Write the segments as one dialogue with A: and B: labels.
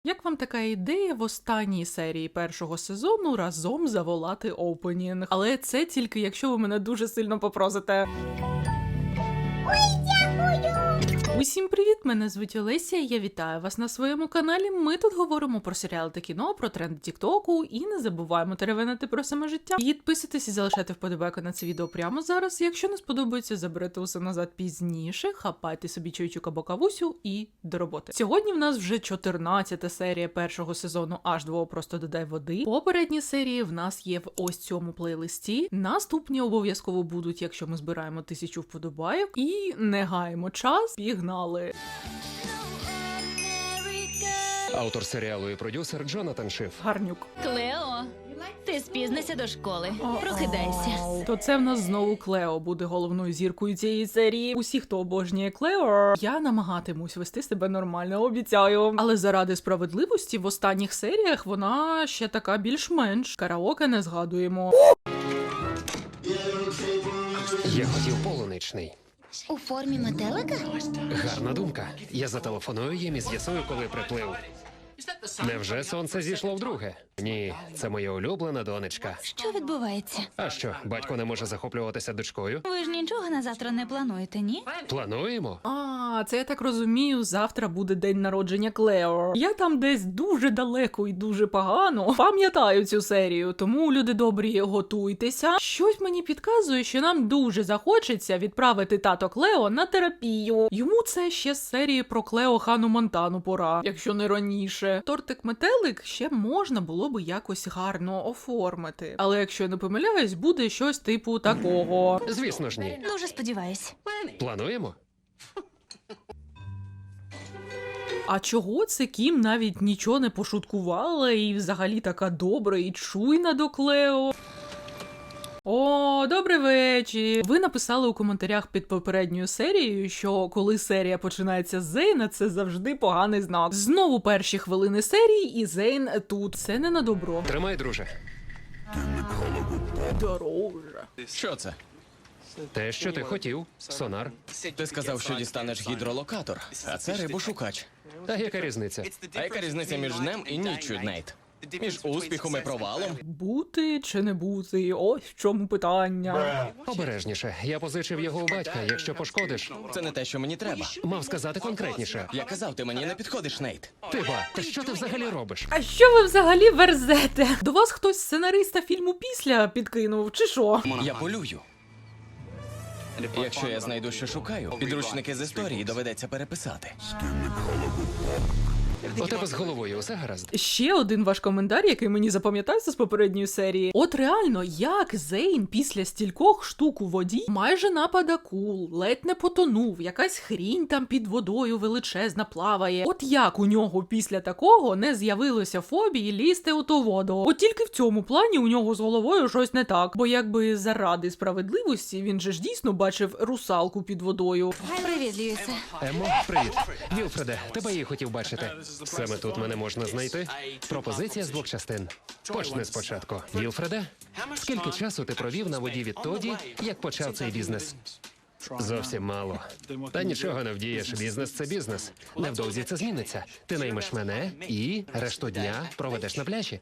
A: Як вам така ідея в останній серії першого сезону разом заволати опенінг? Але це тільки якщо ви мене дуже сильно попросите. Усім привіт! Мене звуть Олеся, і я вітаю вас на своєму каналі. Ми тут говоримо про серіали та кіно, про тренди тіктоку і не забуваємо теревенити про саме життя. Підписуйтесь і залишайте вподобайку на це відео прямо зараз. Якщо не сподобається, заберете усе назад пізніше, хапайте собі чайчук або кавусю і до роботи. Сьогодні в нас вже 14-та серія першого сезону H2O «Просто додай води». Попередні серії в нас є в ось цьому плейлисті. Наступні обов'язково будуть, якщо ми збираємо 1000 вподобайок. І не гаємо час, пігнали.
B: Автор серіалу і продюсер Джонатан Шиф.
A: Гарнюк.
C: Клео, ти спізнися до школи. Прокидайся.
A: То це в нас знову Клео буде головною зіркою цієї серії. Усі, хто обожнює Клео, я намагатимусь вести себе нормально, обіцяю. Але заради справедливості в останніх серіях вона ще така більш-менш. Караоке не згадуємо.
B: Я хотів полуничний.
C: У формі метелика?
B: Гарна думка. Я зателефоную їм і з'ясую, коли приплив. Невже сонце зійшло вдруге? Ні, це моя улюблена донечка.
C: Що відбувається?
B: А що, батько не може захоплюватися дочкою?
C: Ви ж нічого на завтра не плануєте, ні?
B: Плануємо?
A: Це я так розумію, завтра буде день народження Клео. Я там десь дуже далеко і дуже погано пам'ятаю цю серію, тому, люди добрі, готуйтеся. Щось мені підказує, що нам дуже захочеться відправити тато Клео на терапію. Йому це ще з серії про Клео Хану Монтану пора, якщо не раніше. Тортик-метелик ще можна було би якось гарно оформити. Але якщо я не помиляюсь, буде щось типу такого.
B: Звісно ж ні.
C: Дуже сподіваюсь.
B: Плануємо?
A: А чого це Кім навіть нічого не пошуткувала і взагалі така добра і чуйна до Клео? О, добрий вечір! Ви написали у коментарях під попередньою серією, що коли серія починається з Зейна, це завжди поганий знак. Знову перші хвилини серії і Зейн тут. Це не на добро.
B: Тримай, друже.
A: Дороже.
D: Що це?
B: Те, що ти хотів. Сонар.
D: Ти сказав, що дістанеш гідролокатор, а це рибошукач.
B: А яка різниця?
D: А яка різниця між днем і ніччю, Нейт? Між успіхом і провалом?
A: Бути чи не бути? Ось в чому питання.
B: Обережніше. Я позичив його у батька. Якщо пошкодиш,
D: Це не те, що мені треба.
B: мав сказати конкретніше.
D: Я казав, ти мені не підходиш, Нейт.
B: Та що ти взагалі робиш?
A: А що ви взагалі верзете? До вас хтось сценариста фільму «Після» підкинув, чи що?
D: Я полюю. Якщо я знайду, що шукаю, підручники з історії доведеться переписати.
B: У тебе з головою усе гаразд?
A: Ще один ваш коментар, який мені запам'ятався з попередньої серії. От реально, як Зейн після стількох штук у воді майже напад акул, ледь не потонув, якась хрінь там під водою величезна плаває. От як у нього після такого не з'явилося фобії лізти у ту воду? От тільки в цьому плані у нього з головою щось не так. Бо якби заради справедливості він же ж дійсно бачив русалку під водою.
C: Привіт, Льюісе.
B: Емо, привіт. Вілфреде, тебе я хотів бачити. Саме тут мене можна знайти. Пропозиція з 2 частин. Почни спочатку. Вілфреде, скільки часу ти провів на воді відтоді, як почав цей бізнес? Зовсім мало. Та нічого не вдієш. Бізнес – це бізнес. Невдовзі це зміниться. Ти наймеш мене і решту дня проведеш на пляжі.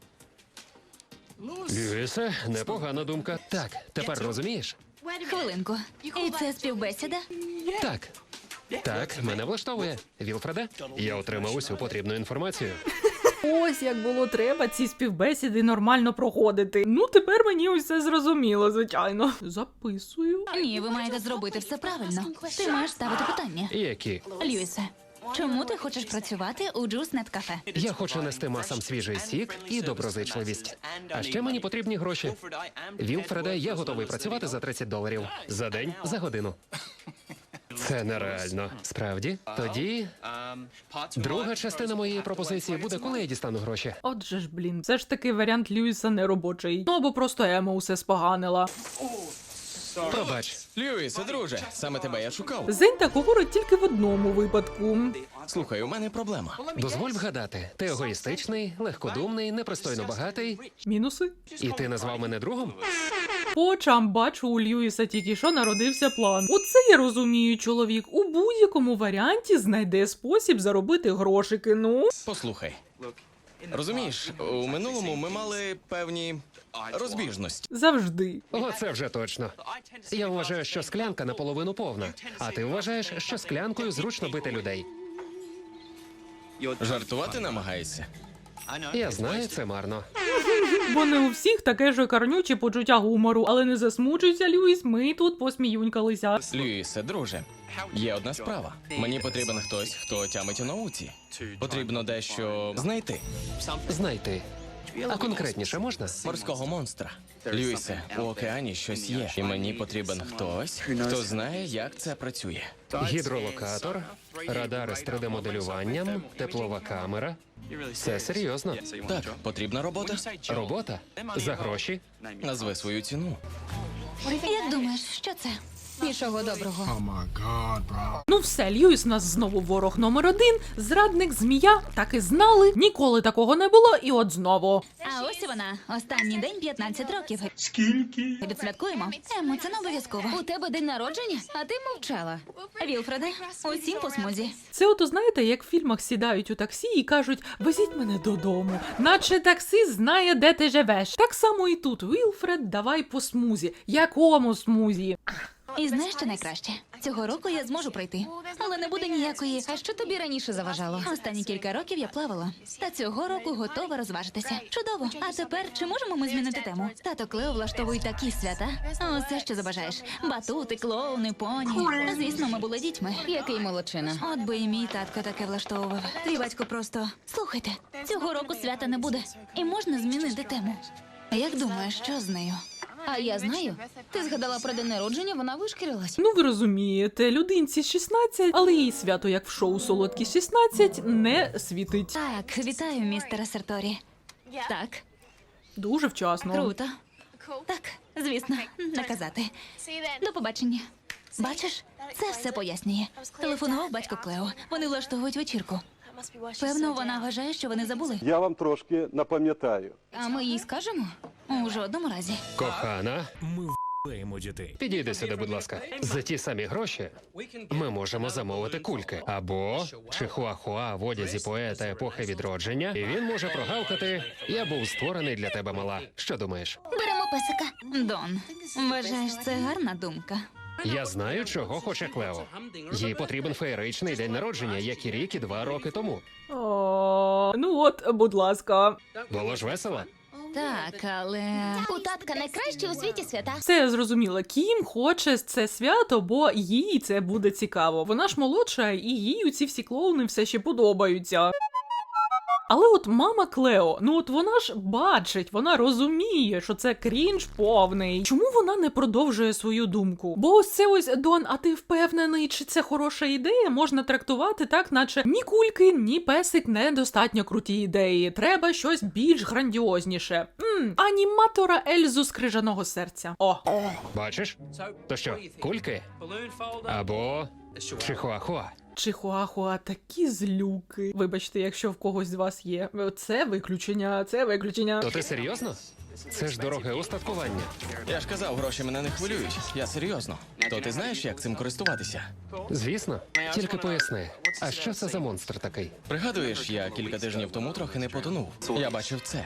B: Льюісе, непогана думка. Так, тепер розумієш?
C: Хвилинку. І це співбесіда?
B: Так. Так, мене влаштовує. Вілфреде, я отримав усю потрібну інформацію.
A: Ось як було треба ці співбесіди нормально проходити. Ну, тепер мені усе зрозуміло, звичайно. Записую.
C: Ні, ви маєте зробити все правильно. Ти маєш ставити питання.
B: Які?
C: Льюісе, чому ти хочеш працювати у Juice.net Cafe?
B: Я хочу нести масам свіжий сік і доброзичливість. А ще мені потрібні гроші. Вілфреде, я готовий працювати за $30. За день, за годину. Це нереально. Справді? Тоді друга частина моєї пропозиції буде, коли я дістану гроші.
A: Отже ж, блін, все ж таки варіант Льюіса не робочий. Ну, або просто Ема усе споганила.
B: Пробач.
D: Льюісе, друже, саме тебе я шукав.
A: Зейн так говорить тільки в одному випадку.
D: Слухай, у мене проблема.
B: Дозволь вгадати. Ти егоїстичний, легкодумний, непристойно багатий.
A: Мінуси?
B: І ти назвав мене другом?
A: По очам бачу, у Льюіса тільки що народився план. Оце я розумію, чоловік у будь-якому варіанті знайде спосіб заробити грошики, ну.
D: Послухай. Розумієш, у минулому ми мали певні розбіжності.
A: Завжди.
B: Оце вже точно. Я вважаю, що склянка наполовину повна, а ти вважаєш, що склянкою зручно бити людей.
D: Жартувати намагаєшся?
B: Я знаю, це марно.
A: Бо не у всіх таке ж карнюче почуття гумору, але не засмучуйся, Льюіс, ми тут посміюнькалися.
D: Люїсе, друже, є одна справа. Мені потрібен хтось, хто тямить у науці. Потрібно дещо знайти.
B: Знайти. А конкретніше можна?
D: Морського монстра. Люїсе, у океані щось є, і мені потрібен хтось, хто знає, як це працює.
B: Гідролокатор, радари з 3D-моделюванням, теплова камера. Це серйозно.
D: Так, потрібна робота.
B: Робота? За гроші?
D: Назви свою ціну.
C: Як думаєш, що це? Нічого доброго.
A: Ну все, Льюіс у нас знову ворог номер 1, зрадник, змія, так і знали, ніколи такого не було, і от знову.
C: А ось і вона. Останній день 15 років. Скільки? Відсвяткуємо. Емо, це не обов'язково. У тебе день народження, а ти мовчала. Вілфреде, усім по смузі.
A: Це ото знаєте, як в фільмах сідають у таксі і кажуть «Везіть мене додому», наче таксі знає, де ти живеш. Так само і тут, Вілфред, давай по смузі. Якому смузі?
C: І знаєш, що найкраще? Цього року я зможу пройти. Але не буде ніякої. А що тобі раніше заважало? Останні кілька років я плавала. Та цього року готова розважитися. Чудово. А тепер чи можемо ми змінити тему? Тато Клео влаштовують такі свята. Усе, що забажаєш. Батути, клоуни, поні. Звісно, ми були дітьми. Який молодчина. От би і мій татко таке влаштовував. Твій батько просто... Слухайте, цього року свята не буде. І можна змінити тему. Як думаєш, що з нею? А я знаю. Ти згадала про день народження, вона вишкірилась.
A: Ну ви розумієте, людинці 16, але їй свято, як в шоу «Солодкі 16», не світить.
C: Так, вітаю, містере Серторі. Так,
A: Дуже вчасно.
C: круто. Так, звісно, наказати. До побачення. Бачиш, це все пояснює. Телефонував батько Клео. Вони влаштовують вечірку. Певно, вона вважає, що вони забули.
E: Я вам трошки напам'ятаю.
C: А ми їй скажемо? У жодному разі.
B: Кохана,
F: Ми в***ємо дітей.
B: підійди сюди, будь ласка. За ті самі гроші ми можемо замовити кульки. Або чихуахуа в одязі поета епохи відродження, і він може прогавкати «Я був створений для тебе, мала». Що думаєш?
C: Беремо песика. Дон, вважаєш, це гарна думка?
B: Я знаю, чого хоче Клео. Їй потрібен феєричний день народження, як і рік, і 2 роки тому.
A: О, ну от, будь ласка.
B: Було ж весело?
C: Так, але... У татка найкращі у світі свята.
A: Все я зрозуміла. Кім хоче це свято, бо їй це буде цікаво. Вона ж молодша, і їй ці всі клоуни все ще подобаються. Але от мама Клео, ну от вона ж бачить, вона розуміє, що це крінж повний. Чому вона не продовжує свою думку? Бо ось це ось, Дон, а ти впевнений, чи це хороша ідея, можна трактувати так, наче ні кульки, ні песик недостатньо круті ідеї. Треба щось більш грандіозніше. Аніматора Ельзу з крижаного серця. О!
B: Бачиш? То що, кульки? Або чихуахуа?
A: Чихуахуа такі злюки. Вибачте, якщо в когось з вас є. Це виключення, це виключення.
B: То ти серйозно? Це ж дороге устаткування.
D: Я ж казав, гроші мене не хвилюють. Я серйозно. То ти знаєш, як цим користуватися?
B: Звісно. Тільки поясни, а що це за монстр такий?
D: Пригадуєш, я кілька тижнів тому трохи не потонув. Я бачив це.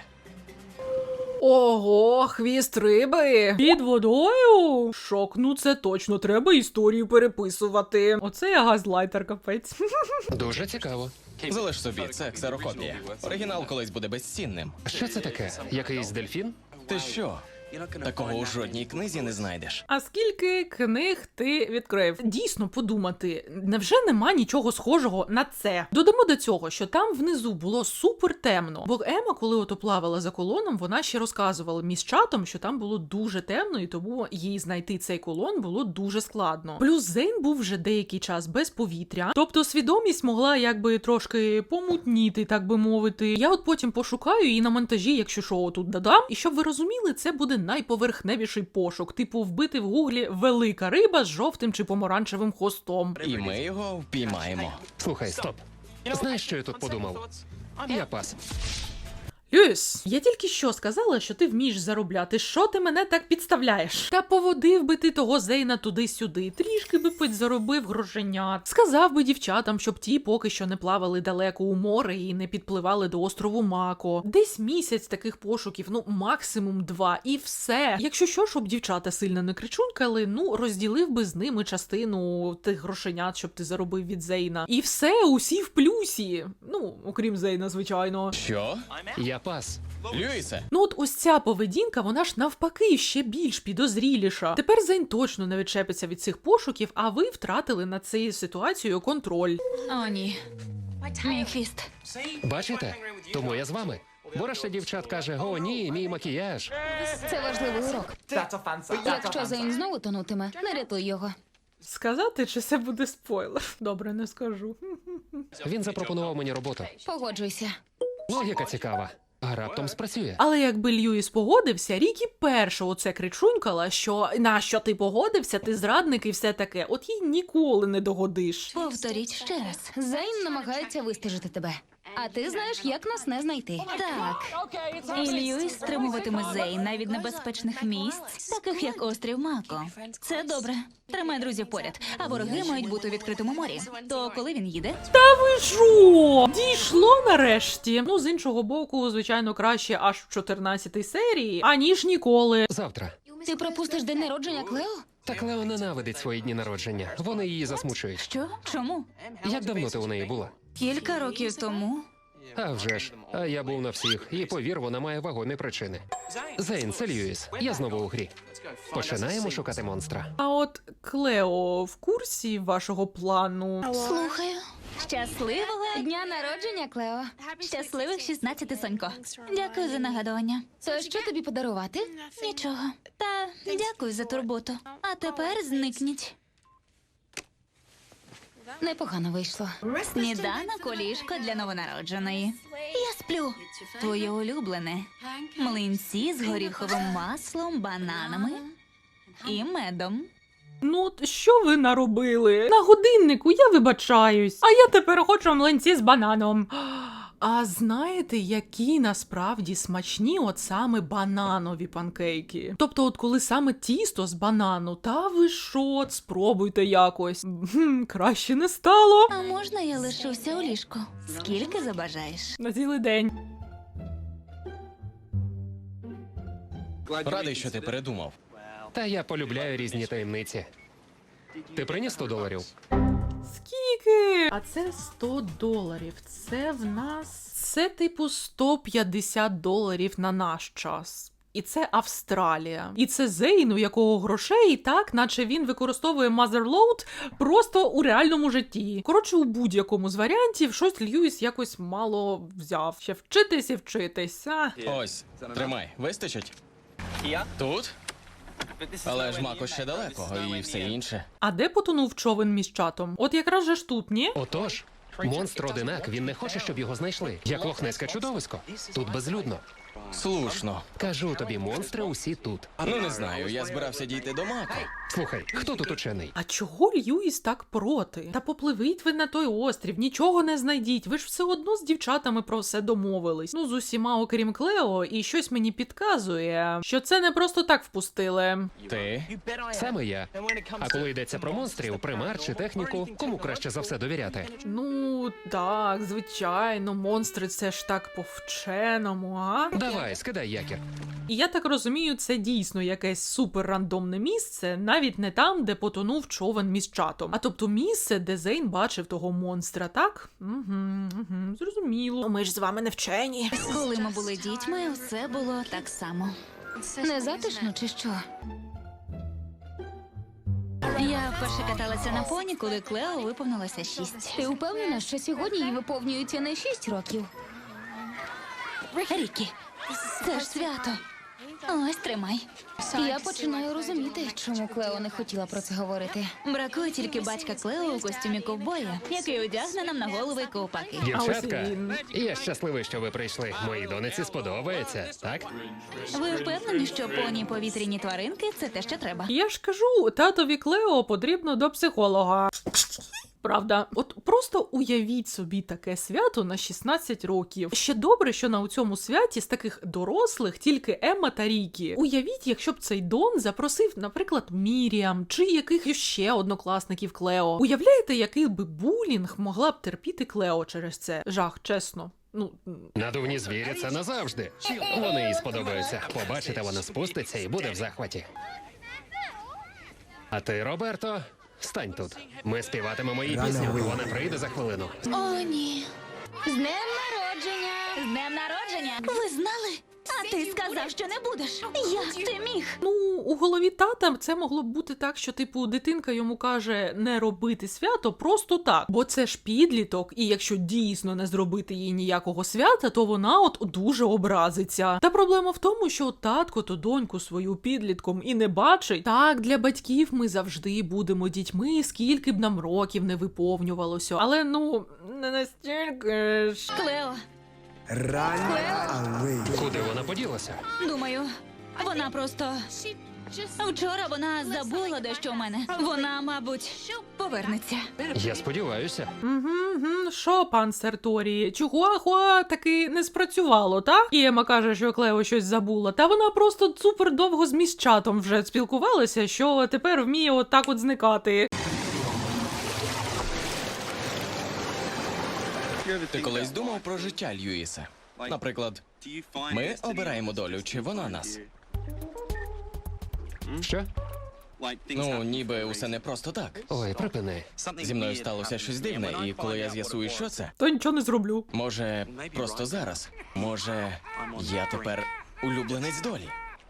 A: Ого, хвіст риби! Під водою? Шок, ну це точно, треба історію переписувати. Оце я газлайтер, капець.
B: Дуже цікаво.
D: Залиш собі, це ксерокопія. Оригінал колись буде безцінним.
B: Що це таке? Якийсь дельфін?
D: Ти що? Такого у жодній книзі не знайдеш.
A: А скільки книг ти відкрив? Дійсно подумати, невже нема нічого схожого на це? Додамо до цього, що там внизу було супер темно. Бо Ема, коли ото плавала за колоном, вона ще розказувала міськчатам, що там було дуже темно, і тому їй знайти цей колон було дуже складно. Плюс Зейн був вже деякий час без повітря, тобто свідомість могла якби трошки помутніти, так би мовити. Я от потім пошукаю і на монтажі, якщо що, тут додам. І щоб ви розуміли, це буде найповерхневіший пошук, типу вбити в гуглі велика риба з жовтим чи помаранчевим хвостом.
D: І ми його впіймаємо.
B: Слухай, стоп. Знаєш, що я тут подумав? Я пас.
A: Льюіс, я тільки що сказала, що ти вмієш заробляти. Що ти мене так підставляєш? Та поводив би ти того Зейна туди-сюди, трішки би підзаробив грошенят. Сказав би дівчатам, щоб ті поки що не плавали далеко у море і не підпливали до острову Мако. Десь місяць таких пошуків, ну максимум 2, і все. Якщо що, щоб дівчата сильно не кричункали, ну розділив би з ними частину тих грошенят, щоб ти заробив від Зейна. І все, усі в плюсі. Ну, окрім Зейна, звичайно.
D: Що?
B: Я пас.
D: Льюісе?
A: Ну от ось ця поведінка, вона ж навпаки ще більш підозріліша. Тепер Зейн точно не відчепиться від цих пошуків, а ви втратили над цією ситуацією контроль.
C: О, ні. Мій хвіст.
B: Бачите? Тому я з вами. Бо решта дівчат каже: о, ні, мій макіяж.
C: Це важливий урок. Якщо Зейн знову тонутиме, не рятуй його.
A: Сказати, чи це буде спойлер? Добре, не скажу.
B: Він запропонував мені роботу.
C: Погоджуйся.
B: Логіка цікава. А раптом спрацює.
A: Але якби Льюіс погодився, Рікі перша оце кричунькала, що на що ти погодився, ти зрадник і все таке. От їй ніколи не догодиш.
C: Повторіть ще раз. Зейн намагається вистежити тебе. А ти знаєш, як нас не знайти. Так. І Льюіс стримуватиме Зейна від небезпечних місць, таких як острів Мако. Це добре. Тримай друзів поряд, а вороги мають бути у відкритому морі. То коли він їде?
A: Ви що? Дійшло нарешті. Ну, з іншого боку, звичайно, краще аж в 14-й серії, аніж ніколи.
B: Завтра.
C: Ти пропустиш день народження Клео?
B: Так Лео ненавидить свої дні народження. Вони її засмучують.
C: Що? Чому?
B: Як давно ти у неї була?
C: Кілька років тому.
B: А вже ж. А я був на всіх. І повір, вона має вагомі причини. Зейн, це Льюіс. Я знову у грі. Починаємо шукати монстра.
A: А от Клео в курсі вашого плану?
C: Слухаю. Щасливого дня народження, Клео. Щасливих 16, Сонько. Дякую за нагадування. То що тобі подарувати? Нічого. Та дякую за турботу. А тепер зникніть. Непогано вийшло. Сніданок, ліжко для новонародженої. Я сплю. Твоє улюблене. Млинці з горіховим маслом, бананами і медом.
A: Ну, от що ви наробили? На годиннику я вибачаюсь. А я тепер хочу млинці з бананом. А знаєте, які насправді смачні от саме бананові панкейки? Тобто, от коли саме тісто з банану, та ви що, спробуйте якось. Краще не стало.
C: А можна я лишуся у ліжку? Скільки забажаєш?
A: На цілий день.
D: Радий, що ти передумав.
B: Та я полюбляю різні таємниці. Ти приніс $100?
A: Скільки? А це $100. Це в нас... Це типу $150 на наш час. І це Австралія. І це Зейн, у якого грошей так, наче він використовує Motherload просто у реальному житті. Коротше, у будь-якому з варіантів щось Льюіс якось мало взяв. Ще вчитись і вчитись.
D: Ось, тримай, вистачить? Тут? Але ж Мако ще далеко, і все інше.
A: А де потонув човен між чатом? От якраз же ж тут, ні?
B: Отож, монстр одинак, він не хоче, щоб його знайшли. Як лохнеське чудовисько. Тут безлюдно.
D: Слушно.
B: Кажу тобі, монстри усі тут.
D: Ну не знаю, я збирався дійти до Мако.
B: Слухай, хто тут учений?
A: А чого Льюіс так проти? Та попливіть ви на той острів, нічого не знайдіть. Ви ж все одно з дівчатами про все домовились. Ну, з усіма, окрім Клео, і щось мені підказує, що це не просто так впустили.
D: Ти?
B: Саме я. А коли йдеться про монстрів, примар чи техніку, кому краще за все довіряти?
A: Ну, так, звичайно, монстри це ж так по-вченому, а?
B: Давай, скидай якір.
A: І я так розумію, це дійсно якесь супер рандомне місце, навіть не там, де потонув човен між чатом. А тобто місце, де Зейн бачив того монстра, так? Зрозуміло. Ми ж з вами не вчені.
C: Коли ми були дітьми, все було так само. Не затишно чи що? Я вперше каталася на поні, коли Клео виповнилося 6. Ти впевнена, що сьогодні їй виповнюється не 6 років? Рікі, це ж свято. Ось, тримай. Я починаю розуміти, чому Клео не хотіла про це говорити. Бракує тільки батька Клео у костюмі ковбоя, який одягне нам на голови ковпаки.
B: Дівчатка,
A: А ось і він.
B: я щасливий, що ви прийшли. Моїй донеці сподобається, так?
C: Ви впевнені, що поні повітряні тваринки – це те, що треба?
A: Я ж кажу, татові Клео потрібно до психолога. Правда, от просто уявіть собі таке свято на 16 років. Ще добре, що на цьому святі з таких дорослих тільки Емма та Рікі. Уявіть, якщо б цей Дон запросив, наприклад, Міріам чи якихось ще однокласників Клео. Уявляєте, який би булінг могла б терпіти Клео через це? Жах, чесно.
B: Надувні звірі це назавжди. Вони їй сподобаються. Побачите, вона спуститься і буде в захваті. А ти, Роберто, стань тут. Ми співатимемо її пісню. Вона прийде за хвилину.
C: О, ні. З днем народження! З днем народження! Ви знали? А ти сказав, що не будеш. Як ти міг?
A: Ну, у голові тата це могло б бути так, що, типу, дитинка йому каже не робити свято просто так. Бо це ж підліток, і якщо дійсно не зробити їй ніякого свята, то вона от дуже образиться. Та проблема в тому, що татко то доньку свою підлітком і не бачить. Так, для батьків ми завжди будемо дітьми, скільки б нам років не виповнювалося. Але, ну, не настільки ж.
C: Клео,
B: Куди вона поділася?
C: думаю, вона просто... Вчора вона забула дещо у мене. Вона, мабуть, повернеться.
B: Я сподіваюся.
A: Що, пан Серторі, Чухуахуа таки не спрацювало, так? І Ема каже, що Клео щось забула. Та вона просто супер довго з міськчатом вже спілкувалася, що тепер вміє отак от зникати.
D: Ти колись думав про життя Льюіса? Наприклад, ми обираємо долю, чи вона нас?
B: Що?
D: Ну, ніби усе не просто так.
B: Ой, припини.
D: Зі мною сталося щось дивне, і коли я з'ясую, що це,
A: То нічого не зроблю.
D: може, просто зараз. Може, я тепер улюбленець долі.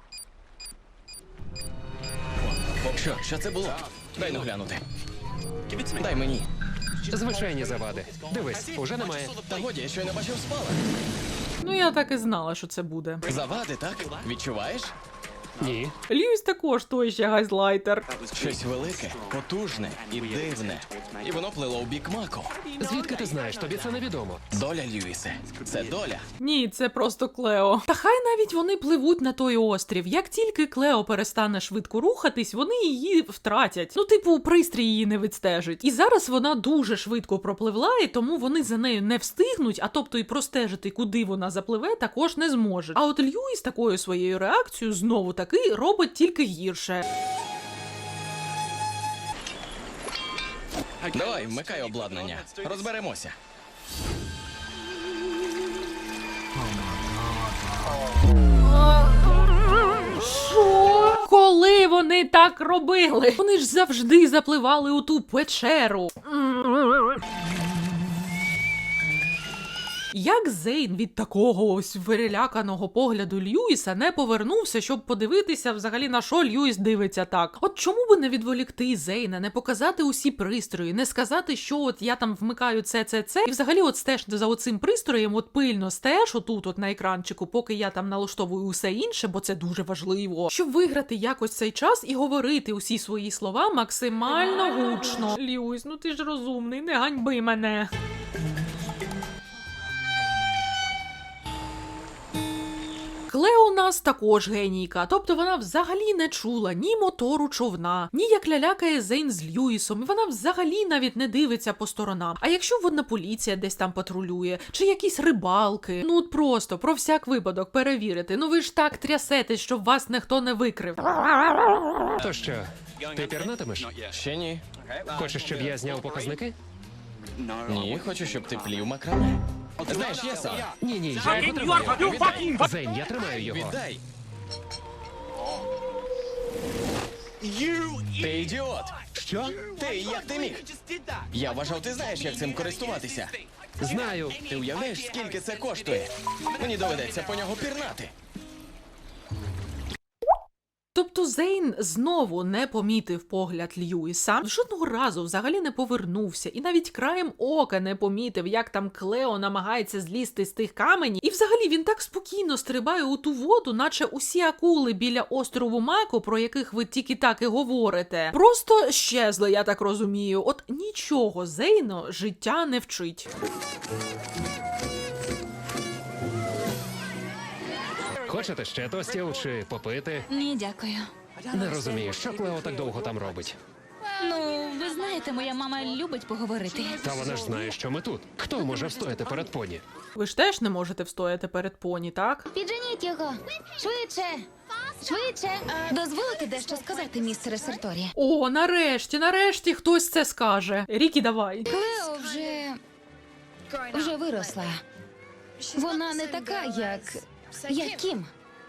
D: Що це було? Дай ну глянути. Дай мені.
B: Звичайні завади. Дивись, уже немає.
D: Та годі, я щойно бачив спалах.
A: Ну, я так і знала, що це буде.
D: Завади, так? Відчуваєш?
B: Ні.
A: Льюіс також той ще газлайтер.
D: Щось велике, потужне і дивне. І воно плило у бік Мако.
B: Звідки ти знаєш? Тобі це невідомо.
D: Доля, Льюісе. Це доля.
A: Ні, це просто Клео. Та хай навіть вони пливуть на той острів. Як тільки Клео перестане швидко рухатись, вони її втратять. Ну, типу, пристрій її не відстежить. І зараз вона дуже швидко пропливла, і тому вони за нею не встигнуть, а тобто і простежити, куди вона запливе, також не зможуть. А от Льюіс такою своєю реакцією знову таки робить тільки гірше.
D: Давай, вмикай обладнання. Розберемося.
A: Що? Коли вони так робили? Вони ж завжди запливали у ту печеру. Як Зейн від такого ось переляканого погляду Льюіса не повернувся, щоб подивитися взагалі на що Льюіс дивиться так? От чому би не відволікти Зейна, не показати усі пристрої, не сказати, що от я там вмикаю це, і взагалі от стеж за оцим пристроєм, от пильно стеж отут от на екранчику, поки я там налаштовую усе інше, бо це дуже важливо. Щоб виграти якось цей час і говорити усі свої слова максимально гучно. Льюіс, ну ти ж розумний, не ганьби мене. Клео у нас також генійка, тобто вона взагалі не чула ні мотору човна, ні як лялякає Зейн з Льюісом, і вона взагалі навіть не дивиться по сторонам. А якщо водна поліція десь там патрулює, чи якісь рибалки, ну от просто про всяк випадок перевірити, ну ви ж так трясетесь, щоб вас ніхто не викрив.
B: То що, ти пірнатимеш?
D: Ще ні.
B: Хочеш, щоб я зняв показники?
D: Ні, хочу, щоб ти плів макраме. Знаєш, я сам.
B: Ні, я його тримаю. Зейн, я тримаю його.
D: Віддай. Ти ідіот.
B: Що?
D: Ти, як ти міг? Я вважав, ти знаєш, як цим користуватися.
B: Знаю.
D: Ти уявляєш, скільки це коштує? Мені доведеться по нього пірнати.
A: Тобто Зейн знову не помітив погляд Льюіса, жодного разу взагалі не повернувся, і навіть краєм ока не помітив, як там Клео намагається злізти з тих каменів. І взагалі він так спокійно стрибає у ту воду, наче усі акули біля острову Мако, про яких ви тільки так і говорите, просто щезли, я так розумію. От нічого Зейну життя не вчить.
B: Хочете ще тостів чи попити?
C: Ні, дякую.
B: Не розумію, що Клео так довго там робить.
C: Ну, ви знаєте, моя мама любить поговорити.
B: Та вона ж знає, що ми тут. Хто може встояти перед поні?
A: Ви ж теж не можете встояти перед поні, так?
C: Підженіть його. Швидше. Швидше. Дозволите дещо сказати, містере Серторі?
A: О, нарешті хтось це скаже. Рікі, давай.
C: Клео вже виросла. Вона не така, як Кім.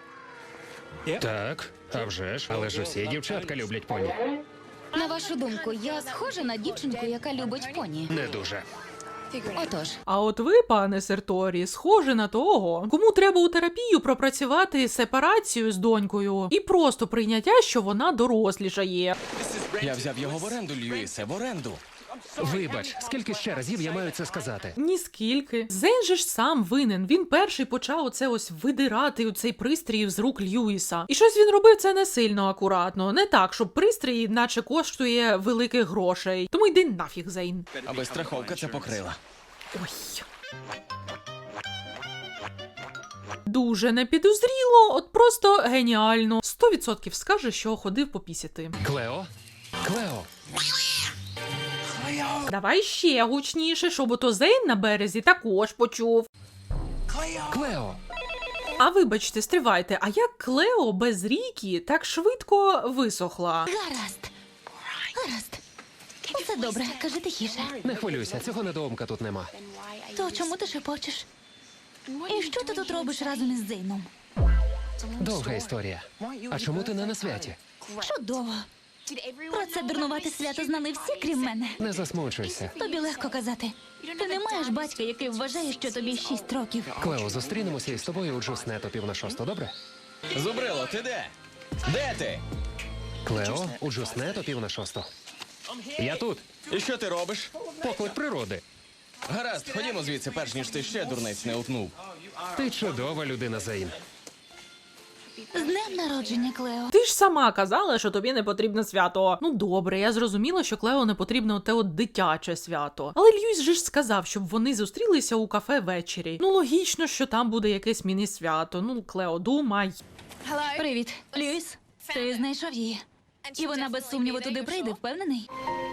B: Так, а вже ж. Але ж усі дівчатка люблять поні.
C: На вашу думку, я схожа на дівчинку, яка любить поні?
B: Не дуже.
C: Отож,
A: А от ви, пане Серторі, схожі на того, кому треба у терапію пропрацювати сепарацію з донькою і просто прийняття, що вона дорослішає.
D: Я взяв його в оренду, Льюісе, в оренду.
B: Вибач, скільки ще разів я маю це сказати?
A: Ніскільки. Зейн же ж сам винен. Він перший почав оце ось видирати цей пристрій з рук Льюіса. І щось він робив це не сильно акуратно. Не так, щоб пристрій наче коштує великих грошей. Тому йди нафіг, Зейн.
D: Аби страховка це покрила.
A: Ой. Дуже непідозріло, от просто геніально. 100% скаже, що ходив попісяти.
B: Клео? Клео?
A: Давай ще гучніше, щоб ото Зейн на березі також почув.
B: Клео?
A: А вибачте, стривайте, а як Клео без Рікі так швидко висохла?
C: гаразд. Гаразд. Усе добре, кажи тихіше.
B: Не хвилюйся, цього недоумка тут нема.
C: То чому ти шепочеш? І що ти тут робиш разом із Зейном?
B: Довга історія. А чому ти не на святі?
C: Чудово. Про це дурнувате свято знали всі, крім мене.
B: Не засмучуйся.
C: Тобі легко казати. Ти не маєш батька, який вважає, що тобі 6 років.
B: Клео, зустрінемося із тобою у Джуснет о 5:45, добре?
D: Зубрило, ти де? Де ти?
B: Клео, у Джуснет о 5:45. Я тут.
D: І що ти робиш?
B: Поклик природи.
D: Гаразд, ходімо звідси, перш ніж ти ще дурниць не утнув.
B: Ти чудова людина, Зейн.
C: З днем народження, Клео.
A: Ти ж сама казала, що тобі не потрібне свято. Ну добре, я зрозуміла, що Клео не потрібне те от дитяче свято. Але Льюіс же ж сказав, щоб вони зустрілися у кафе ввечері. Ну логічно, що там буде якесь міні-свято. Ну, Клео, думай.
C: Привіт, Льюіс. Ти знайшов її. І вона без сумніву туди прийде, впевнений?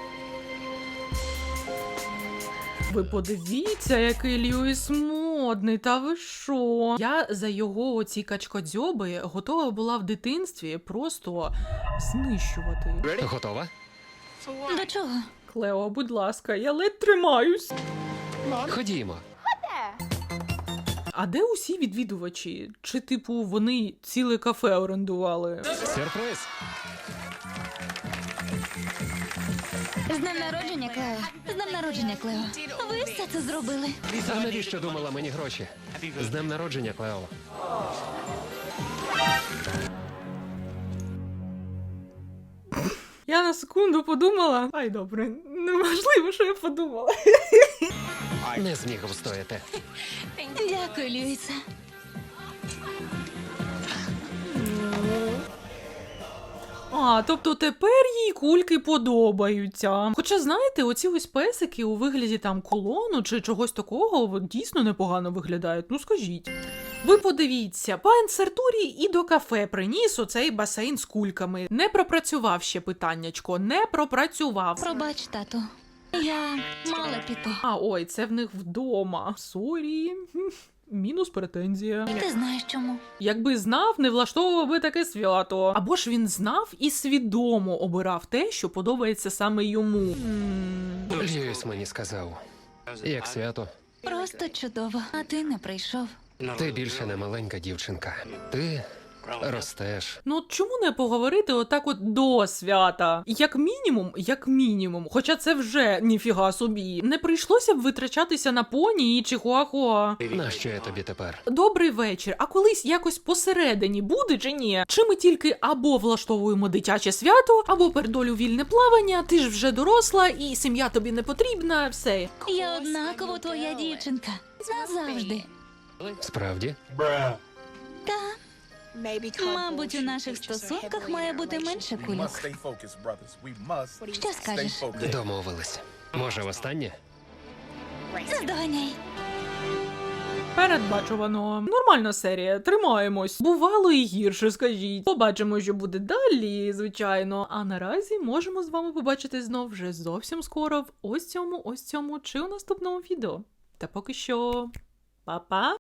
A: Ви подивіться, який Льюіс модний, та ви що? Я за його оці качкодзьоби готова була в дитинстві просто знищувати.
B: Готова?
C: До чого?
A: Клео, будь ласка, я ледь тримаюсь.
B: Ходімо.
A: А де усі відвідувачі? Чи, типу, вони ціле кафе орендували?
B: Сюрприз.
C: З днем народження, Клео. З днем народження, Клео. Ви все це зробили.
B: А навіщо думала мені гроші? З днем народження, Клео.
A: Я на секунду подумала. Ай, добре, неможливо, що я подумала.
B: Не зміг встояти.
C: Дякую, Льюісе.
A: А, тобто тепер їй кульки подобаються. Хоча, знаєте, оці ось песики у вигляді там колону чи чогось такого дійсно непогано виглядають, ну скажіть. Ви подивіться, пан Сертурі і до кафе приніс оцей басейн з кульками. Не пропрацював ще питаннячко, не пропрацював.
C: Пробач, тату. Я мала піти.
A: А, ой, це в них вдома. Сорі. Мінус претензія.
C: І ти знаєш чому.
A: Якби знав, не влаштовував би таке свято. Або ж він знав і свідомо обирав те, що подобається саме йому.
B: Льюіс мені сказав. Як свято?
C: Просто чудово. А ти не прийшов.
B: Ти більше не маленька дівчинка. Ти ростеш.
A: Ну от чому не поговорити отак от до свята? Як мінімум, хоча це вже ніфіга собі. Не прийшлося б витрачатися на поні і чихуахуа.
B: Нащо я тобі тепер?
A: Добрий вечір, а колись якось посередині буде чи ні? Чи ми тільки або влаштовуємо дитяче свято, або передолю вільне плавання, ти ж вже доросла і сім'я тобі не потрібна, все.
C: Я однаково твоя дівчинка. Назавжди.
B: Справді?
C: Та, мабуть, у наших стосунках має бути менше кульок. Що скажеш?
B: Домовились. Може, востаннє?
C: Наздоганяй.
A: Передбачувано. Нормальна серія, тримаємось. Бувало і гірше, скажіть. Побачимо, що буде далі, звичайно. А наразі можемо з вами побачити знов вже зовсім скоро в ось цьому чи у наступному відео. Та поки що... Па-па!